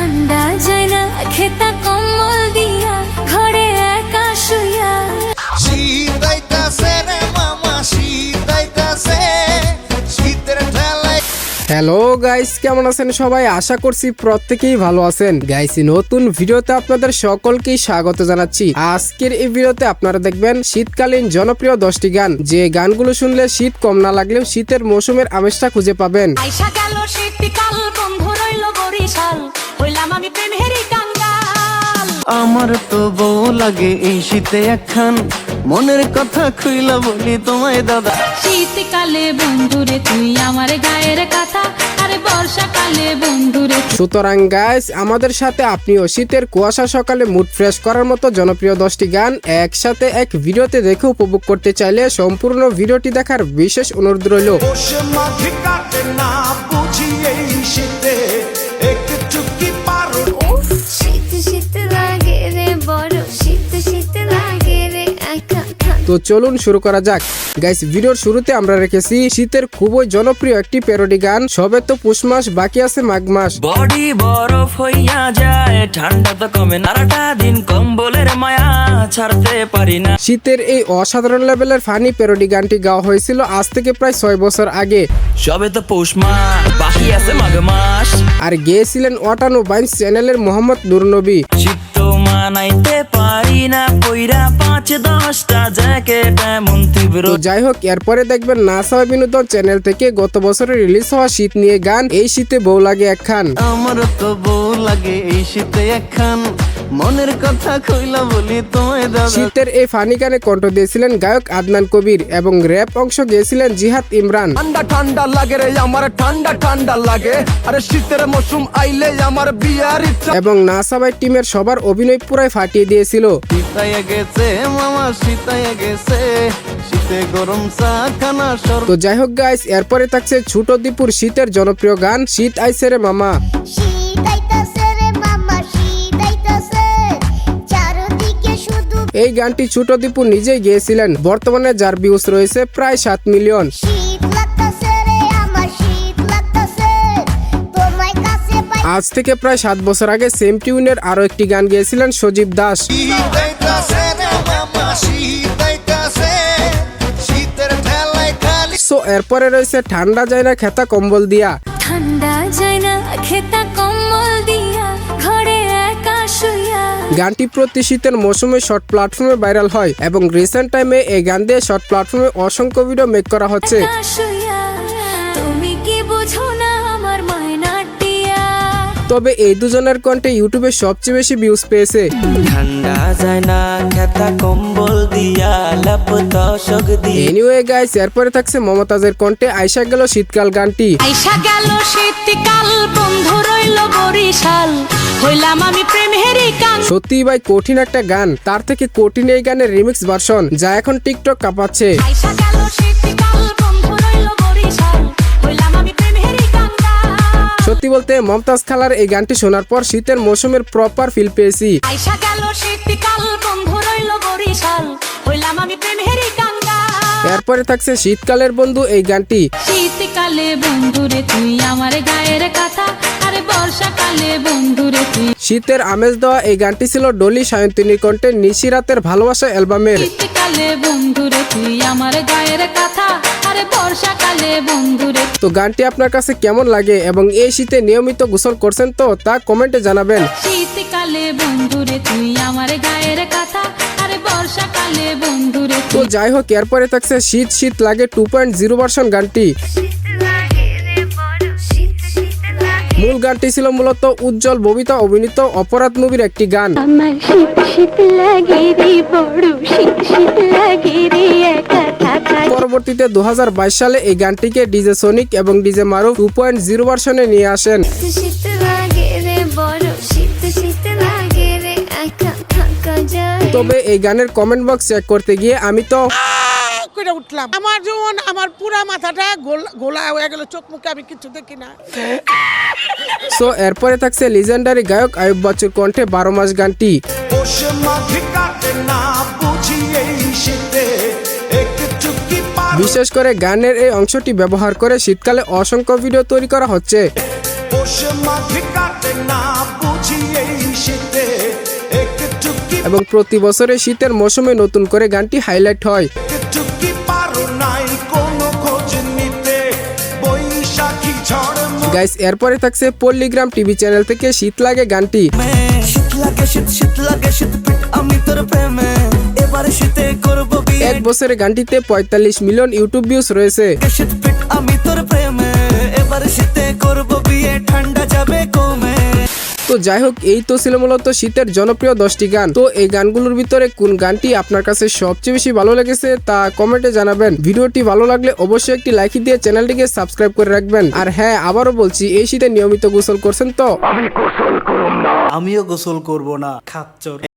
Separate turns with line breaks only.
ঠান্ডা যায় না খেতা কম্বল দিয়া ঘরে একা শুইয়া।
শীত আইতাছে রে মামা, শীত আইতাছে, শীতের ঠেলায়।
হ্যালো গাইস, কেমন আছেন সবাই? আশা করছি প্রত্যেকেই ভালো আছেন। গাইস, নতুন ভিডিওতে আপনাদের সকলকেই স্বাগত জানাচ্ছি। আজকের এই ভিডিওতে আপনারা দেখবেন শীতকালীন জনপ্রিয় 10টি গান, যে গানগুলো শুনলে শীত কম না লাগলেও শীতের মৌসুমের আমেজটা খুঁজে পাবেন।
আইসা গেল শীতকাল, বন্ধু রইল বরিশাল, হইলাম আমি প্রেমেরই কাঙ্গাল।
আমার তো বউ লাগে এই শীতে একখান, মনের কথা খুইলা বলি তোমায় দাদা।
শীতকালে বন্ধুরে তুই আমার গায়ের কথা, আরে বর্ষাকালে বন্ধুরে।
সুতরাং গাইস, আমাদের সাথে আপনিও শীতের কুয়াশা সকালে মুড ফ্রেশ করার মতো জনপ্রিয় 10টি গান একসাথে এক ভিডিওতে দেখে উপভোগ করতে চাইলে সম্পূর্ণ ভিডিওটি দেখার বিশেষ অনুরোধ রইল।
বসে মাঠে কাটে না বুঝি এই শীতে, একটু কি পারো?
উফ, শীত শীত লাগে রে, বড় শীত শীত লাগে রে একা।
তো চলুন শুরু করা যাক। গাইস, ভিডিওর শুরুতে আমরা রেখেছি শীতের খুবই জনপ্রিয় একটি প্যারোডি গান, সবে তো পুষ মাস, বাকি আছে মাঘ মাস।
বডি বরফ হইয়া যায়, ঠান্ডা তো কমে নারাটা দিন, কম্বলের মায়া ছাড়তে পারি না।
শীতের এই অসাধারণ লেভেলের ফানি প্যারোডি গানটি গাওয়া হয়েছিল আজ থেকে প্রায় 6 বছর আগে।
সবে তো পৌষ মাস, বাকি আছে মাঘ মাস।
আর গেয়েছিলেন ওয়াটানো বাইন্স চ্যানেলের মোহাম্মদ নুরনবী।
শীত তো মানাইতে পারি না, পইরা 5-10টা জ্যাকেট এমন তীব্র।
তো যাই হোক, এরপরে দেখবেন নাসা বিনোদন চ্যানেল থেকে গত বছরে রিলিজ হওয়া শীত নিয়ে গান, এই শীতে বউ লাগে একখান।
আমার তো বউ লাগে এই শীতে একখান, মনের কথা খুইলা বলি তোমায় দাদা।
শীতের এই ফানি গানে কণ্ঠ দিয়েছিলেন গায়ক আদনান কবির এবং র্যাপ অংশ গেয়েছিলেন জিহাদ ইমরান।
ঠান্ডা ঠান্ডা লাগে রে আমার, ঠান্ডা ঠান্ডা লাগে, আরে শীতের মৌসুম আইলে আমার বিয়ার ইচ্ছা।
এবং নাসাবাই টিমের সবার অভিনয় পুরাই ফাটিয়ে দিয়েছিল।
শীতায় গেছে মামা, শীতায় গেছে, শীতে গরম চা খানা সর।
তো যাই হোক গাইস, এরপরে থাকছে ছোট দীপুর শীতের জনপ্রিয় গান শীত আইছে রে মামা।
শীত আইতাছে রে মামা, শীত আইতাছে, চারদিকে শুধু
এই গানটি ছোট দীপু নিজেই গেয়েছিলেন, বর্তমানে যার ভিউজ রয়েছে প্রায় 7 মিলিয়ন।
শীত লাগতাছে রে আমার, শীত লাগতাছে, তোমায় কাছে পাই।
আজ থেকে প্রায় 7 বছর আগে সেম টিউনের আরো একটি গান গেয়েছিলেন সজীব দাস।
শীত আইতাছে রে মামা, শীত আইতাছে, শীতের ঠেলায় খালি।
সো এরপরে রয়েছে ঠান্ডা যায় না খেতা কম্বল দিয়া।
ঠান্ডা যায় না খেতা কম্বল দিয়া ঘরে একা শুইয়া।
গানটি প্রতি শীতের মৌসুমে শর্ট প্ল্যাটফর্মে ভাইরাল হয় এবং রিসেন্ট টাইমে এই গান দিয়ে শর্ট প্ল্যাটফর্মে অসংখ্য ভিডিও মেক করা হচ্ছে।
একা শুইয়া, তুমি কি বুঝো না আমার মায়নাটিয়া।
তবে এই দুজনের কণ্ঠে ইউটিউবে সবচেয়ে বেশি ভিউজ পেয়েছে।
ঠান্ডা যায় না খেতা কম্বল দিয়া, লাপ দশক দিয়ে।
এনিওয়ে গাইস, এরপরে থাকছে মমতাজের কণ্ঠে আইসা গেল শীতকাল গানটি।
আইসা গেল শীতকাল, বন্ধু রইল বরিশাল, হইলাম আমি প্রেমেরই কাঙ্গাল।
সত্যি ভাই কঠিন একটা গান, তার থেকে কঠিন এই গানের রিমিক্স ভার্সন, যা এখন টিকটক কাঁপাচ্ছে।
আইসা গেল শীতকাল, বন্ধু রইল বরিশাল, হইলাম আমি প্রেমেরই কাঙ্গাল।
সত্যি বলতে মমতাজ খালার এই গানটি শোনার পর শীতের মৌসুমের প্রপার ফিল পেয়েছি।
আইসা গেল শীতকাল, বন্ধু রইল বরিশাল, হইলাম আমি প্রেমেরই কাঙ্গাল।
এরপরে থাকছে শীতকালের বন্ধু এই গানটি।
শীতকালে বন্ধুরে তুই আমার গায়ের কথা, আরে বর্ষাকালে বন্ধুরে তুই।
শীতের আমেজ দেওয়া এই গানটি ছিল ডলি সায়ন্তিনীর কণ্ঠে নিশি রাতের ভালোবাসা অ্যালবামের।
শীতকালে বন্ধুরে তুই আমার গায়ের কথা, আরে বর্ষাকালে বন্ধুরে।
তো গানটি আপনার কাছে কেমন লাগে এবং এই শীতে নিয়মিত গোসল করছেন তো তা কমেন্টে জানাবেন।
শীতকালে বন্ধুরে তুই আমার গায়ের কথা, আরে বর্ষাকালে বন্ধুরে
তো
তুই।
যাই হোক, এরপরে থাকছে শীত শীত লাগে 2.0 ভার্সন গানটি। মূল গানটি ছিল মূলত উজ্জ্বল ববিতা অভিনীত অপরাধ মুভির একটি গান।
আমার শীত শীত লাগে রে, বড় শীত শীত লাগে রে একা থাকা।
পরবর্তীতে 2022 সালে এই গানটিকে ডিজে সোনিক এবং ডিজে মারুফ 2.0 ভার্সনে নিয়ে আসেন।
শীত লাগে রে বড়, শীত শীত লাগে রে একা থাকা যায়।
তবে এই গানের কমেন্ট বক্স চেক করতে গিয়ে আমি তো
করে উঠলাম, আমার যেমন আমার পুরা মাথাটা গোলা হয়ে গেল, চোখ মুখে আমি কিছু দেখি না।
সো এরপরে থাকছে লিজেন্ডারি গায়ক আয়ুব বাচ্চুর কণ্ঠে 12 মাস গানটি।
বসে মাঠে কাটে না বুঝি এই শীতে, একটু কি পারো?
বিশেষ করে গানের এই অংশটি ব্যবহার করে শীতকালে অসংখ্য ভিডিও তৈরি করা হচ্ছে।
বসে মাঠে কাটে না বুঝি
এবং প্রতি বছরে শীতের মৌসুমে নতুন করে গানটি হাইলাইট হয়।
চুপকি পারো নাই কোনো খোঁজ নিতে বৈশাখী ঝড়
গাইস এরপরে থাকছে পল্লীগ্রাম টিভি চ্যানেল থেকে শীত লাগে গানটি।
শীত লাগে শীত লাগে শীত পিট আমি তোর প্রেমে এবারে শীতে করবো বিয়ে
এক বছরে গানটিতে 45 মিলিয়ন ইউটিউব ভিউজ রয়েছে।
শীত পিট আমি তোর প্রেমে এবারে শীতে করবো বিয়ে ঠান্ডা যাবে কমে।
তো যাই হোক, এই তো ছিল মূলত শীতের জনপ্রিয় 10টি গান। তো এই গানগুলোর ভিতরে কোন গানটি আপনার কাছে সবচেয়ে বেশি ভালো লেগেছে তা কমেন্টে জানাবেন। ভিডিওটি ভালো লাগলে অবশ্যই একটি লাইক দিয়ে চ্যানেলটিকে সাবস্ক্রাইব করে রাখবেন। আর হ্যাঁ, আবারও বলছি, এই শীতে নিয়মিত গোসল করছেন তো?
আমিও গোসল করব না, খাচ্চর।